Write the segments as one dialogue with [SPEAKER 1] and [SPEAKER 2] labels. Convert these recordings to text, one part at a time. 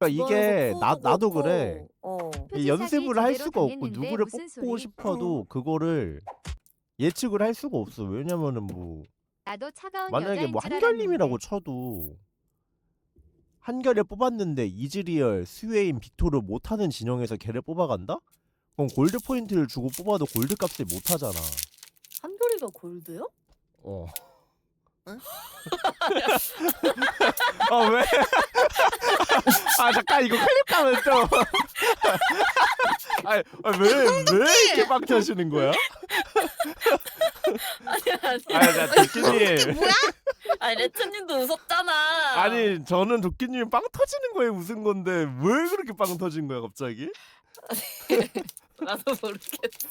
[SPEAKER 1] 그러니까
[SPEAKER 2] 주변에서
[SPEAKER 1] 이게
[SPEAKER 2] 푸우도
[SPEAKER 1] 나도
[SPEAKER 2] 그렇고
[SPEAKER 1] 그래. 이 연습을 할
[SPEAKER 3] 제대로
[SPEAKER 1] 수가 없고
[SPEAKER 3] 당했는데
[SPEAKER 1] 누구를
[SPEAKER 3] 무슨
[SPEAKER 1] 뽑고
[SPEAKER 3] 소리?
[SPEAKER 1] 싶어도 그거를 예측을 할 수가 없어. 왜냐면은 뭐
[SPEAKER 3] 나도 차가운
[SPEAKER 1] 만약에
[SPEAKER 3] 여자인
[SPEAKER 1] 뭐
[SPEAKER 3] 줄
[SPEAKER 1] 한결님이라고
[SPEAKER 3] 알았는데.
[SPEAKER 1] 쳐도 한결을 뽑았는데 이즈리얼, 스웨인, 빅토르 못하는 진영에서 걔를 뽑아간다? 그럼 골드 포인트를 주고 뽑아도 골드 값을 못하잖아.
[SPEAKER 2] 한결이가 골드요?
[SPEAKER 1] 어.
[SPEAKER 2] 응?
[SPEAKER 1] 아 왜? 아 잠깐 이거 클립 가면 좀. 왜 이렇게 빡 터지는 거야?
[SPEAKER 2] 아니
[SPEAKER 1] 자 도끼님.
[SPEAKER 4] 뭐야?
[SPEAKER 2] 아니 레트님도 웃었잖아.
[SPEAKER 1] 아니 저는 도끼님 빵 터지는 거에 웃은 건데 왜 그렇게 빵 터진 거야 갑자기?
[SPEAKER 2] 나도 모르겠어.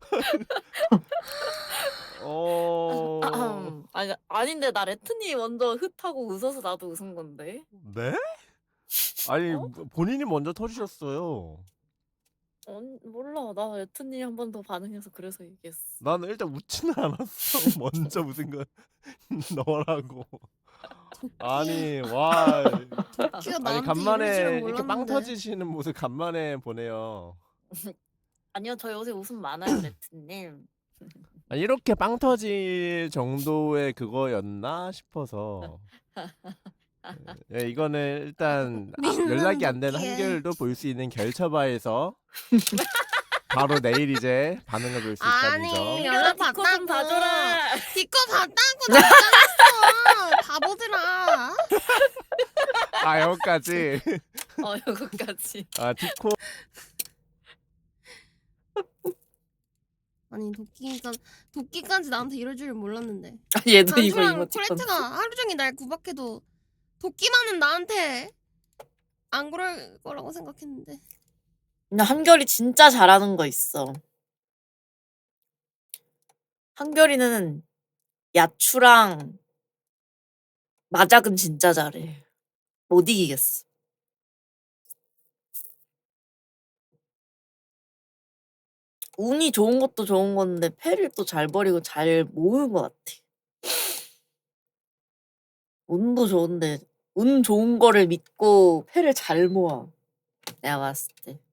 [SPEAKER 2] 아닌데 나 레트님 먼저 흩하고 웃어서 나도 웃은 건데.
[SPEAKER 1] 네? 아니 본인이 먼저 터지셨어요.
[SPEAKER 2] 몰라. 나 레트님 한 번 더 반응해서 그래서 얘기했어.
[SPEAKER 1] 나는 일단 웃지는 않았어. 먼저 웃은 건 너라고. 아니 와.
[SPEAKER 4] 키가
[SPEAKER 1] 아니
[SPEAKER 4] 나한테 이럴
[SPEAKER 1] 간만에
[SPEAKER 4] 줄은
[SPEAKER 1] 이렇게 빵
[SPEAKER 4] 몰랐는데.
[SPEAKER 1] 터지시는 모습 간만에 보네요.
[SPEAKER 2] 아니요, 저 요새 웃음 많아요, 레트님.
[SPEAKER 1] 아니, 이렇게 빵 터질 정도의 그거였나 싶어서. 예, 이거는 일단 연락이 안 된
[SPEAKER 4] 도끼에.
[SPEAKER 1] 한결도 볼 수 있는 결처바에서 바로 내일 이제 반응을 볼 수 있다는
[SPEAKER 4] 아니,
[SPEAKER 1] 점.
[SPEAKER 4] 연락
[SPEAKER 2] 디코 좀
[SPEAKER 4] 받다고.
[SPEAKER 2] 봐줘라.
[SPEAKER 4] 디코 받다고 나잖았어. 바보들아.
[SPEAKER 1] 아 여기까지.
[SPEAKER 2] 여기까지.
[SPEAKER 1] 아 디코.
[SPEAKER 4] 아니 도끼까지 나한테 이럴 줄은 몰랐는데.
[SPEAKER 2] 얘도 이거
[SPEAKER 4] 단수랑
[SPEAKER 2] 이모티콘.
[SPEAKER 4] 코레트가 하루 종일 날 구박해도 도끼만은 나한테 안 그럴 거라고 생각했는데.
[SPEAKER 2] 근데 한결이 진짜 잘하는 거 있어. 한결이는 야추랑 마작은 진짜 잘해. 못 이기겠어. 운이 좋은 것도 좋은 건데 패를 또 잘 버리고 잘 모으는 것 같아. 운도 좋은데 운 좋은 거를 믿고 패를 잘 모아. 내가 봤을 때.